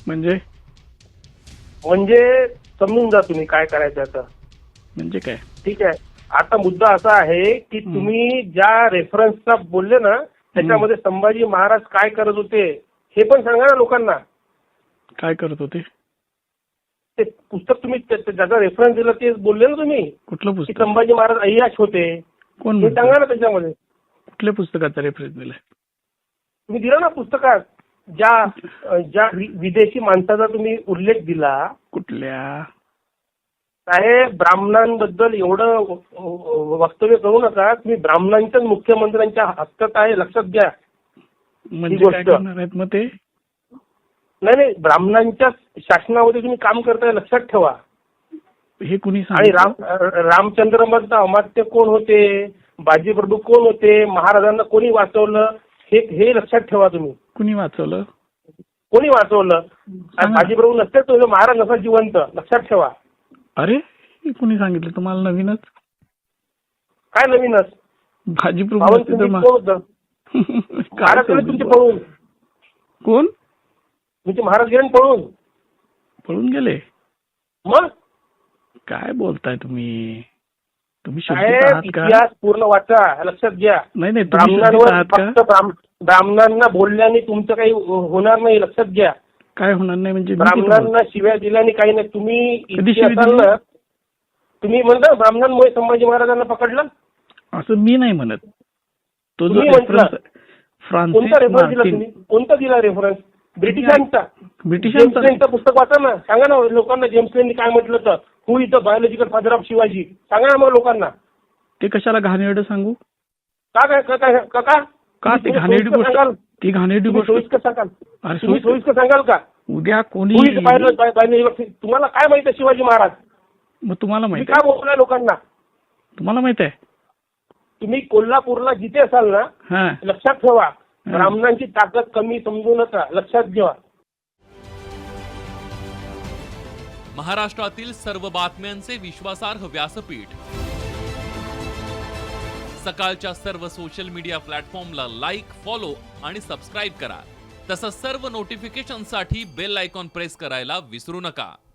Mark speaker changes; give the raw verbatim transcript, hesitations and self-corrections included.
Speaker 1: म्हणजे
Speaker 2: म्हणजे समजून जा तुम्ही काय करायचं आता.
Speaker 1: म्हणजे काय?
Speaker 2: ठीक आहे. आता मुद्दा असा आहे की तुम्ही ज्या रेफरन्सचा बोलले ना त्याच्यामध्ये संभाजी महाराज काय करत होते हे पण सांगा ना लोकांना.
Speaker 1: काय करत होते?
Speaker 2: ते पुस्तक तुम्ही ज्याचा रेफरन्स दिला ते बोलले ना तुम्ही.
Speaker 1: कुठलं
Speaker 2: की
Speaker 1: पुस्तक?
Speaker 2: संभाजी महाराज अय्याश होते.
Speaker 1: कोण
Speaker 2: हे सांगा ना त्याच्यामध्ये.
Speaker 1: कुठल्या पुस्तकाचा रेफरन्स दिलाय?
Speaker 2: तुम्ही दिला ना पुस्तकात ज्या ज्या विदेशी माणसाचा तुम्ही उल्लेख दिला.
Speaker 1: कुठल्या?
Speaker 2: साहेब ब्राह्मणांबद्दल एवढं वक्तव्य करू नका. तुम्ही ब्राह्मणांच्याच मुख्यमंत्र्यांच्या हक्कात आहे लक्षात घ्या.
Speaker 1: म्हणजे काय करणार आहेत मग ते?
Speaker 2: नाही नाही ब्राह्मणांच्या शासनामध्ये तुम्ही काम करताय लक्षात ठेवा.
Speaker 1: हे कुणी
Speaker 2: आणि राम रामचंद्र मधलं अमात्य कोण होते, बाजीप्रभू कोण होते, महाराजांना कोणी वाचवलं हे हे लक्षात ठेवा तुम्ही.
Speaker 1: कुणी वाचवलं?
Speaker 2: कोणी वाचवलं? बाजीप्रभू नसते तो महाराज नसा जिवंत लक्षात ठेवा.
Speaker 1: अरे कुणी सांगितलं तुम्हाला? नवीनच?
Speaker 2: काय नवीनच?
Speaker 1: बाजीप्रभू
Speaker 2: महाराज गेले तुमचे पळून.
Speaker 1: कोण?
Speaker 2: तुमचे महाराज गेले पळून.
Speaker 1: पळून गेले?
Speaker 2: मग
Speaker 1: काय बोलताय तुम्ही? तुम्ही
Speaker 2: इतिहास पूर्ण वाचा लक्षात घ्या.
Speaker 1: नाही नाही
Speaker 2: ब्राह्मणांवर फक्त ब्राह्मणांना बोलल्याने तुमचं काही होणार नाही लक्षात घ्या.
Speaker 1: काय होणार नाही म्हणजे?
Speaker 2: ब्राह्मणांना शिव्या दिल्याने काही नाही. तुम्ही इतिहासाला तुम्ही म्हणता ब्राह्मणांमुळे संभाजी महाराजांना पकडलं
Speaker 1: असं मी नाही म्हणत. तो जो
Speaker 2: रेफरन्स कोणता रेफरन्स दिला तुम्ही? कोणता दिला रेफरन्स? ब्रिटिशांचा. ब्रिटिशांचं पुस्तक वाचा ना. सांगा ना लोकांना जेम्स लेननी काय म्हटलं तर who is the biological father of Shivaji. सांगा ना मग लोकांना.
Speaker 1: ते कशाला घाणेरडं सांगू?
Speaker 2: का काय का
Speaker 1: का ते घाणेरडी गोष्ट? ती घाणेरडी गोष्ट
Speaker 2: सोयीस्कर सांगाल? तुम्ही सोयीस्कर सांगाल का?
Speaker 1: उद्या कोणी
Speaker 2: तुम्हाला काय माहिती आहे शिवाजी महाराज?
Speaker 1: मग तुम्हाला माहिती
Speaker 2: काय बोललाय लोकांना?
Speaker 1: तुम्हाला माहित आहे?
Speaker 2: तुम्ही कोल्हापूरला जिथे असाल ना लक्षात ठेवा ब्राह्मणांची ताकद कमी समजू नका लक्षात घ्या.
Speaker 3: महाराष्ट्रातील सर्व बातम्यांचे विश्वासार्ह व्यासपीठ सकाळच्या सर्व सोशल मीडिया प्लॅटफॉर्मला लाईक, फॉलो आणि सबस्क्राईब करा. तसंच सर्व नोटिफिकेशनसाठी बेल आयकॉन प्रेस करायला विसरू नका.